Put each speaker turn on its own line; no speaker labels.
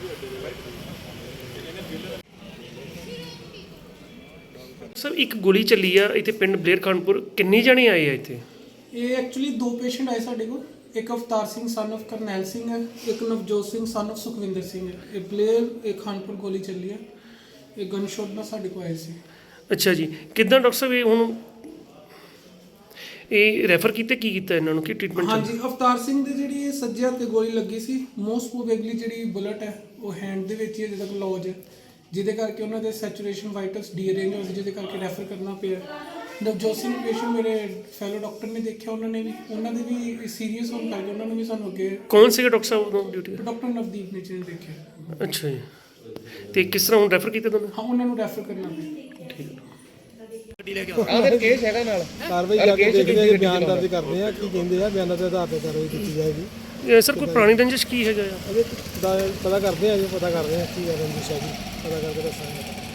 Sir ਇੱਕ ਗੋਲੀ ਚੱਲੀ ਆ ਇੱਥੇ ਪਿੰਡ ਬਲੇਰ ਖਾਨਪੁਰ, ਕਿੰਨੇ ਜਣੇ ਆਏ ਆ ਇੱਥੇ?
ਇਹ ਐਕਚੁਅਲੀ ਦੋ ਪੇਸ਼ੈਂਟ ਆਏ ਸਾਡੇ ਕੋਲ। ਇੱਕ ਅਵਤਾਰ ਸਿੰਘ ਸਨ of ਕਰਨੈਲ ਸਿੰਘ ਹੈ, ਇੱਕ ਨਵਜੋਤ ਸਿੰਘ ਸਨ of ਸੁਖਵਿੰਦਰ ਸਿੰਘ ਹੈ। ਇਹ ਬਲੇਰ ਇਹ ਖਾਨਪੁਰ ਗੋਲੀ ਚੱਲੀ ਹੈ। ਇਹ ਗਨ ਸ਼ਾਟ ਨਾਲ ਸਾਡੇ ਕੋਲ ਆਏ ਸੀ।
ਅੱਛਾ ਜੀ, ਕਿੱਦਾਂ ਡਾਕਟਰ ਸਾਹਿਬ ਇਹ ਹੁਣ ਇਹ ਰੈਫਰ ਕੀਤੇ, ਕੀ ਕੀਤਾ ਇਹਨਾਂ ਨੂੰ, ਕੀ ਟ੍ਰੀਟਮੈਂਟ?
ਹਾਂਜੀ, ਅਵਤਾਰ ਸਿੰਘ ਦੇ ਜਿਹੜੀ ਇਹ ਸੱਜੇ ਹੱਥ ਤੇ ਗੋਲੀ ਲੱਗੀ ਸੀ। ਮੋਸਟ ਪ੍ਰੋਬੇਬਲੀ ਜਿਹੜੀ ਬੁਲਟ ਹੈ ਉਹ ਹੈਂਡ ਦੇ ਵਿੱਚ ਹੀ ਅਜੇ ਤੱਕ ਲੌਜ ਹੈ, ਜਿਹਦੇ ਕਰਕੇ ਉਹਨਾਂ ਦੇ ਸੈਚੂਰੇਸ਼ਨ ਵਾਈਟਲਸ ਡੀਅਰੇਂਜ ਹੋ ਗਏ, ਜਿਹਦੇ ਕਰਕੇ ਰੈਫਰ ਕਰਨਾ ਪਿਆ। ਨਵਜੋਤ ਸਿੰਘ ਪੇਸ਼ੈਂਟ ਮੇਰੇ ਫੈਲੋ ਡਾਕਟਰ ਨੇ ਦੇਖਿਆ, ਉਹਨਾਂ ਨੇ ਵੀ ਉਹਨਾਂ ਦੇ ਵੀ ਸੀਰੀਅਸ ਹੋਣ ਕਰਕੇ ਉਹਨਾਂ ਨੂੰ ਵੀ ਸਾਨੂੰ ਅੱਗੇ
ਕੌਣ ਸੀਗਾ ਡਾਕਟਰ ਸਾਹਿਬ ਉਦੋਂ ਡਿਊਟੀ?
ਡਾਕਟਰ ਨਵਦੀਪ ਨੇ ਜਿਹਨੇ ਦੇਖਿਆ।
ਅੱਛਾ ਜੀ, ਤੇ ਕਿਸ ਤਰ੍ਹਾਂ ਹੁਣ ਰੈਫਰ ਕੀਤਾ ਤੁਹਾਨੂੰ?
ਹਾਂ, ਉਹਨਾਂ ਨੂੰ ਰੈਫਰ ਕਰਨਾ ਪਿਆ।
ਠੀਕ ਹੈ।
ਕੇਸ ਹੈਗਾ ਨਾਲ
ਕਾਰਵਾਈ ਕਰਕੇ ਦੇਖਦੇ ਆ, ਬਿਆਨ ਦਰਜ ਕਰਦੇ ਆ, ਕੀ ਕਹਿੰਦੇ ਆ, ਬਿਆਨਾਂ ਦੇ ਆਧਾਰ ਤੇ ਕਾਰਵਾਈ ਕੀਤੀ ਜਾਏਗੀ।
ਸਰ ਕੋਈ ਪੁਰਾਣੀ ਰੰਜਿਸ਼ ਕੀ ਹੈਗਾ ਆ?
ਅਜੇ ਪਤਾ ਕਰਦੇ ਆ, ਪਤਾ ਕਰਦੇ ਆ ਕੀ ਰੰਜਿਸ਼ ਹੈ ਜੀ, ਪਤਾ ਕਰਕੇ ਦੱਸਾਂਗੇ।